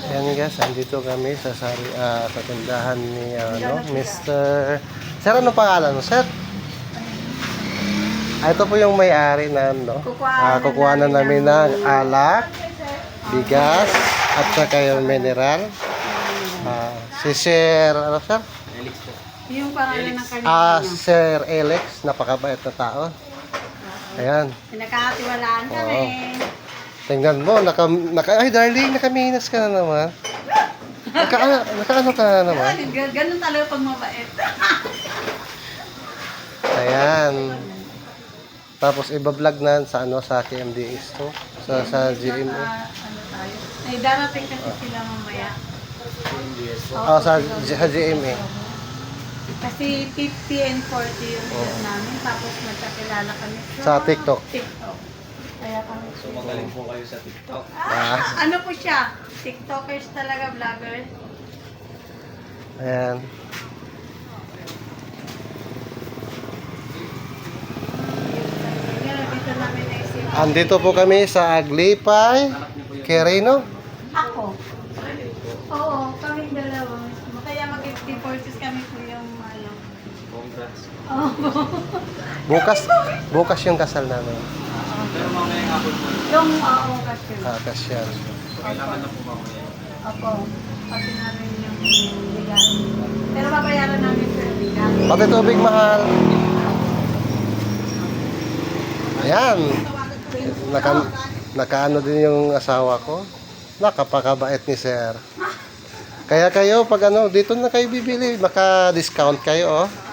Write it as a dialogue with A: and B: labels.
A: Ayan guys, andito kami sa tindahan ni Mr. Sir, ano pangalan mo, sir? Ito po yung may-ari na kukuha na namin ng alak, bigas, at saka yung mineral. Si Sir, ano sir?
B: Yung pangalan ng kanina.
A: Sir Alex, napakabait na tao. Ayan.
B: Pinakatiwalaan kami.
A: Tingnan mo, ay darling, nakaminas ka na naman. Nakaano ka na naman.
B: Ganun talaga pag mabait.
A: Ayan. Tapos iba-vlog na sa KMDS to. Sa GMA.
B: Ano tayo? Ay, darating kasi sila mamaya.
A: Sa GMA.
B: Kasi 50 and 40 yung set namin. Tapos magkakilala kami
A: Sa TikTok.
B: Kaya kami.
C: So magaling po kayo sa TikTok.
B: Ano po siya? TikTokers talaga, vloggers.
A: Ayan.
B: Dito namin naisip.
A: Andito po kami sa Aglipay, Quirino.
B: Ako? Oo, kaming dalawa. Kaya mag-50-40s kami po yung ano.
C: Congrats.
A: Bukas yung kasal namin.
C: Pero mamaya nga po po.
B: Yung kasi.
A: Kasyan.
C: Kailangan na po mamaya.
B: Opo. Pati namin yung bigas. Pero babayaran namin sa bigas.
A: Pati tubig mahal. Ayan. Nakaano din yung asawa ko. Nakapakabait ni Sir. Kaya kayo, pag dito na kayo bibili, maka-discount kayo, oh.